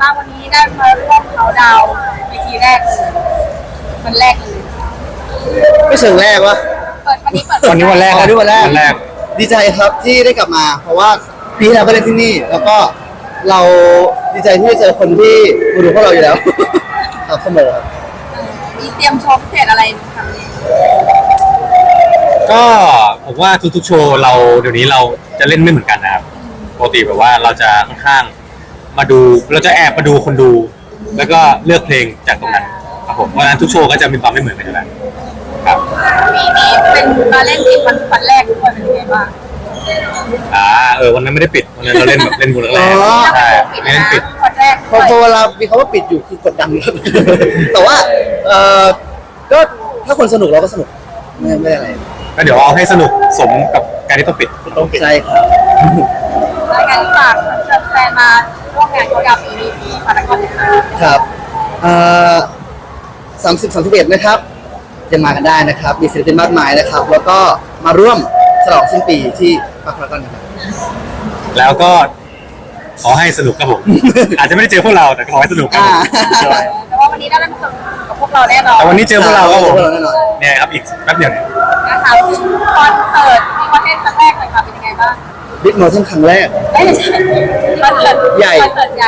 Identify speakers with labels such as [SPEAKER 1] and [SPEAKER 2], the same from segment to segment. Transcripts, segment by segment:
[SPEAKER 1] บ้างวันนี้ได้มาร่วมเขาดาวเวทีแรกเลยวันแรกเลย
[SPEAKER 2] ไม่เชิงแรกวะ
[SPEAKER 1] เปิดวันนี้เปิด
[SPEAKER 3] วันนี้วันแรก
[SPEAKER 2] วันนี้วันแรก
[SPEAKER 3] วันแรก
[SPEAKER 2] ดีใจครับที่ได้กลับมา เพราะว่าปีที่แล้วก็เล่นที่นี่ แล้วก็เราดีใจที่ได้เจอคนที่ดูพวกเราอยู่แล้ว ครับเสมอครับ
[SPEAKER 1] มีเตรียมโชว์พิเศษอะไรทำเนี่ย
[SPEAKER 3] ก็ผมว่าทุกๆโชว์เราเดี๋ยวนี้เราจะเล่นไม่เหมือนกันนะครับปกติแบบว่าเราจะค่อนข้างมาดูเราจะแอบมาดูคนดู แล้วก็เลือกเพลงจากตรงนั้นครับผมเพราะฉะนั้นทุกโชว์ก็จะมีความไม่เหมือนกันอยู่แล้วครับ
[SPEAKER 1] ปีนี้เป็นมาเล่นอีกวันแรกด้วยเป็นยังไงบ้าง
[SPEAKER 3] วันนั้นไม่ได้ปิดวันนั้นเราเล่นแบบเล่นมูลแรกใช่ไม่เล่นปิด
[SPEAKER 1] วันแรก
[SPEAKER 2] พอเวลามีคำว่าปิดอยู่คือกดดันครับ แต่ว่าก็ถ้าคนสนุกเราก็สนุกไม่อะไร
[SPEAKER 3] ก็เดี๋ยวเอาให้สนุกสมกับการที่ต้องปิด
[SPEAKER 2] ใช่ครับ
[SPEAKER 1] รายการฝากแฟนมาร่วมงานเขาดาวปีนี้ที่พารากอนนะคะ
[SPEAKER 2] ครับ30-31นะครับจะมากันได้นะครับ มีศิลปินมากมายนะครับ แล้วก็มาร่วมฉลองสิ้นปีที่พารากอนนะครับ
[SPEAKER 3] แล้วก็ขอให้สนุกครับผม อาจจะไม่ได้เจอพวกเราแต่ขอให้สนุกครับผม
[SPEAKER 1] แต่ว่าวันนี้ได้เล่นสนุกกับพวกเราแน่นอน
[SPEAKER 3] แต่วันนี้เจอพวกเราครับผม
[SPEAKER 2] เจอพวกเราแน่นอน
[SPEAKER 3] เนี่ยครับอีกแป๊บเดียวเนี่ย
[SPEAKER 1] นะคะคอนเสิร์ตมีคอนเทนต์ครั้งแรกเลยค่ะเป็นยังไงบ้าง
[SPEAKER 2] บิ๊กโมชั่นครั้งแรก
[SPEAKER 1] ไม่ใช่คอนเสิร์ต
[SPEAKER 2] ใหญ่
[SPEAKER 1] คอนเสิร์ตใหญ่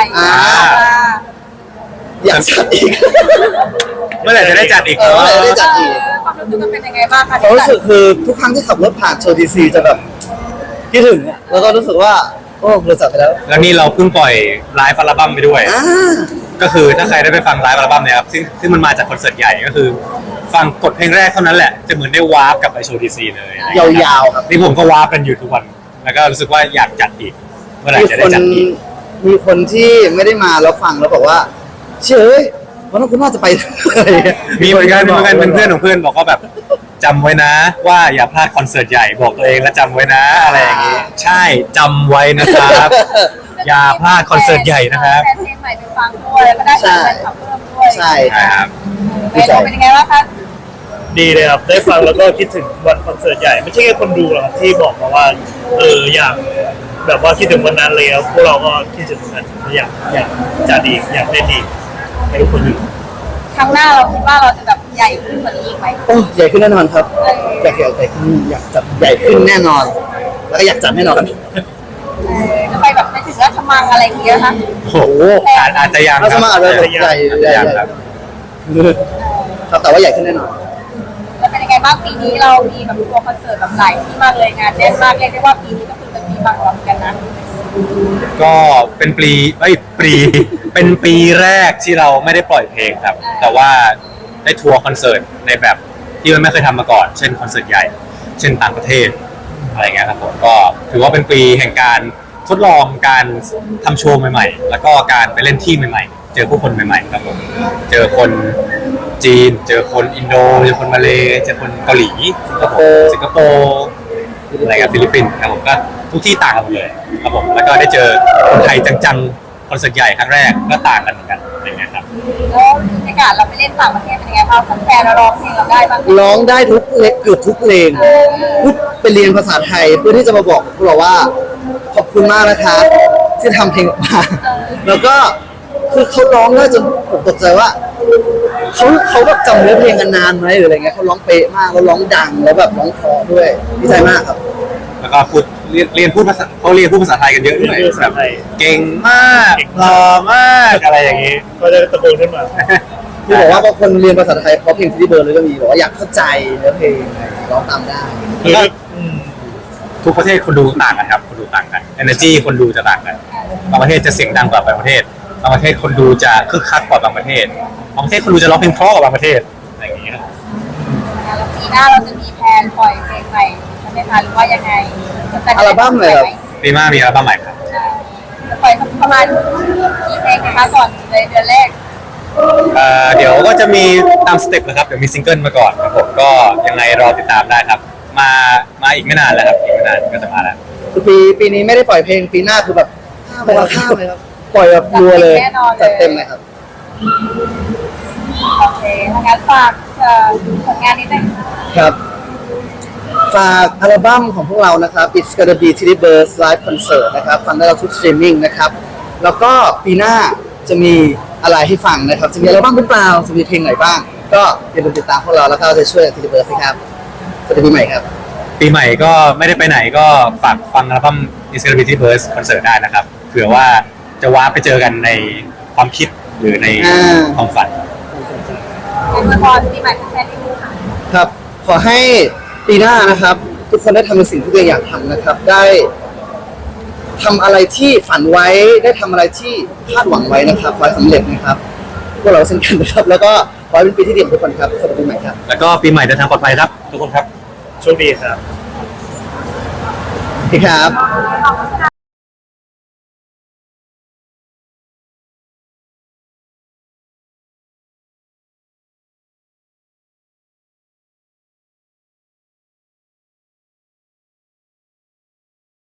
[SPEAKER 2] อยากจัดอีก
[SPEAKER 3] เมื่อไหร่จะได้จัดอีก
[SPEAKER 2] เมื่อไหร่จะได้จัดอีก
[SPEAKER 1] ความรู้สึกมันเป็นยังไงบ้างคะ
[SPEAKER 2] ความรู้สึกคือทุกครั้งที่ขับรถผ่านโชว์ดีซีจะแบบคิดถึงอะแล้วก็รู้สึกว่าโอ้เราจัดไปแล้ว
[SPEAKER 3] แล้วนี่เราเพิ่งปล่อยไลฟ์อัลบั้มไปด้วย
[SPEAKER 2] อ่า
[SPEAKER 3] ก็คือถ้าใครได้ไปฟังไลฟ์อัลบั้มเนี่ยครับซึ่งมันมาจากคอนเสิร์ตใหญ่ก็คือ ฟังกดเพลงแรกเท่านั้นแหละจะเหมือนได้วาร์ปกลับไปโชว์ดีซีเลย
[SPEAKER 2] ยาวๆครับ
[SPEAKER 3] นี่ผมก็วาร์ปกันอยู่ทุกวัน แล้วก็รู้สึกว่าอยากจัดอีก เมื่อไหร่
[SPEAKER 2] มี
[SPEAKER 3] จะ
[SPEAKER 2] ค
[SPEAKER 3] ได้
[SPEAKER 2] น
[SPEAKER 3] จัดอีก
[SPEAKER 2] มีคนที่ไม่ได้มาแล้วฟังแล้วบอกว่าเชื่อเอ้ยวันนั้นคุณน่าจะไปอะไรอย่างเงี้ย
[SPEAKER 3] มีเหมือนกันเป็นเพื่อนของเพื่อนบอกว่าแบบจำไว้นะ ว่าอย่าพลาดคอนเสิร์ตใหญ่บอกตัวเองและจำไว้นะอะไรอย่างงี้ใช่จำไว้นะครับ อย่าพลาดคอนเสิร์ตใหญ่นะครับ
[SPEAKER 1] แฟนเพลงใหม่ไปฟังด้วยแล้วก็ได้แฟนคลับเพิ่มด้วย
[SPEAKER 2] ใช่
[SPEAKER 3] ใช่ครับ
[SPEAKER 1] เป็นยังไงบ้างคะ
[SPEAKER 4] ดีเลยครับได้ฟังแล้วก็คิดถึงวันคอนเสิร์ตใหญ่ไม่ใช่แค่คนดูหรอกครับที่บอกมาว่าอยากแบบว่าคิดถึงวันนั้นเลยครับพวกเราก็คิดถึงเหมือนกันอยากจัดอีกอยากเล่นอีกให้ทุกคนดู
[SPEAKER 1] ครั้งหน้าเราคิดว่าเราจะแบบใหญ่ขึ้นกว่านี้อีกไหม
[SPEAKER 2] โอ้ใหญ่ขึ้นแน่นอนครับอยากใหญ่ขึ้นอยากจัดใหญ่ขึ้นแน่นอน แล้วก็อยากจัดแน่นอน
[SPEAKER 1] จะไปแบบไปถึงราชมังอะไรอย่างเงี้ยนะคะ
[SPEAKER 3] โอ้โหอาจจะยัง
[SPEAKER 2] เรา
[SPEAKER 3] ค
[SPEAKER 2] จะ
[SPEAKER 3] รับ
[SPEAKER 2] มาอาจจะใหญ่
[SPEAKER 3] ยังครับ
[SPEAKER 2] ครับแต่ว่าใหญ่ขึ้นแน่นอน
[SPEAKER 1] แล้วเป็นยังไงบ้างปีนี้เรามีแบบทัวร์คอนเสิร์ตแบบหลายที่มากเลยงานแน่นมากเรียกได้ว่าปีนี้ก็คือเป็นปีบางรอบกันนะ
[SPEAKER 3] ก็เป็นเป็นปีแรกที่เราไม่ได้ปล่อยเพลงครับ แต่ว่าได้ทัวร์คอนเสิร์ตในแบบที่มันไม่เคยทำมาก่อน เช่นคอนเสิร์ตใหญ่ เช่นต่างประเทศอะไรเงี้ยครับผมก็ถือว่าเป็นปีแห่งการทดลองการทำโชว์ใหม่ๆ แล้วก็การไปเล่นที่ใหม่ๆ เจอผู้คนใหม่ๆครับผมเจอคนจีน เจอคนอินโดเจอคนมาเลเจอคนเกาหลีสิงคโปร์อะไรกับฟิลิปปินส์ครับผมก็ทุกที่ต่างกันหมดเลยครับผมแล้วก็ได้เจอคนไทยจังๆคอนเสิร์ตใหญ่ครั้งแรกก็ต่างกันเหมือนกันอย่างเงี้ยครับ
[SPEAKER 1] แล้วบรรยากาศเราไปเล่นต่างประเทศเป็นยังไงบ้างแฟนเราร้องเพลงเราได้บ้าง
[SPEAKER 2] ร้องได้ทุกเล็กเกือบทุกเพลงพูดไปเรียนภาษาไทยเพื่อที่จะมาบอกพวกเราว่าขอบคุณมากนะคะที่ทำเพลงออกมาแล้วก็คือเขาร้องได้จนผมตกใจว่าเขาแบบจำเนื้อเพลงกันนานไหมหรืออะไรเงี้ยเขาร้องเป๊ะมากแล้วร้องดังแล้วแบบร้องเพราะด้วยดีใจมากครับ
[SPEAKER 3] แล้วก็พูดเรียนพูดภาษาเขาเรียนพูดภาษาไทยกันเยอะด้วยแบบเก่งมากหล่อมากอะไรอย่างงี้
[SPEAKER 4] ก็จะตะโกนขึ้นมา
[SPEAKER 2] ที่บอกว่าบางคนเรียนภาษาไทยเพราะเพลงที่เบิร์ดเลยก็มีบอกว่าอยากเข้าใจเนื้อเพลงร้องตามได้
[SPEAKER 4] คือ
[SPEAKER 3] ทุกประเทศคนดูต่างกันครับคนดูต่างกัน energy คนดูจะต่างกันบางประเทศจะเสียงดังกว่าบางประเทศบางประเทศคนดูจะคึกคักกว่าบางประเทศบางประเทศคนดูจะร้องเพลงเพราะกว่าบางประเทศอะไรอย่างงี้ครับ
[SPEAKER 1] แล้วปีหน้าเราจะมีแพลนปล่อยเพลงใหม่ใช่ไหมคะหรือว่ายังไง
[SPEAKER 2] อัลบั้มเลยครับ
[SPEAKER 3] ปีหน้ามีอัลบั้มใหม่ครับ
[SPEAKER 1] จะปล่อยประมาณกี่เพลงนะคะก่อนในเดือนแรก
[SPEAKER 3] เดี๋ยวก็จะมีตามสเต็ปนะครับเดี๋ยวมีซิงเกิลมาก่อนครับผมก็ยังไงรอติดตามได้ครับมาอีกไม่นานแล้วครับอีกไม่นานก็จะมาแล้ว
[SPEAKER 2] คือปีนี้ไม่ได้ปล่อยเพลงปีหน้าคือแบบข้ามเลยครับปล่อยแบบรัวเลยจัดเต็มเลยครับ
[SPEAKER 1] โอเคถ้างั้นฝากผลงานนิดนึง
[SPEAKER 2] ครับ ฝากอัลบั้มของพวกเรานะครับ It's Gonna Be Tilly Birds Live Concert นะครับฟังได้เราทุกสตรีมมิ่งนะครับแล้วก็ปีหน้าจะมีอะไรให้ฟังนะครับ จะมีอะไรบ้างหรือเปล่าจะมีเพลงไหนบ้าง ก็อย่าลืมติดตามพวกเราแล้วก็จะช่วยทีเบิร์ดครับสวัสดีปีใหม่ครับ
[SPEAKER 3] ปีใหม่ก็ไม่ได้ไปไหนก็ฝากฟังอัลบั้ม Insecurity Burst คอนเสิร์ตได้นะครับเผื่อว่าจะว้าไปเจอกันในความคิดหรือในความฝัน
[SPEAKER 1] เป็นละครปีใหม่แฟนๆที่ดูค่ะ
[SPEAKER 2] ครับขอให้ปีหน้านะครับ ทุกคนได้ทำในสิ่งที่ตัวเองอยากทำนะครับ ได้ทำอะไรที่ฝันไว้ได้ทำอะไรที่คาดหวังไว้นะครับขอให้สำเร็จนะครับพวกเราเช่นกันนะครับ แล้วก็ขอให้เป็นปีที่ดีของทุกคนครับสวัสดีปีใหม่ครับ
[SPEAKER 3] แล้วก็ปีใหม่เดินทางปลอดภัยครับ ทุกคนครับ
[SPEAKER 4] โชคดีครับ
[SPEAKER 2] สวัสดีครับ
[SPEAKER 1] ขอบคุณค่ะ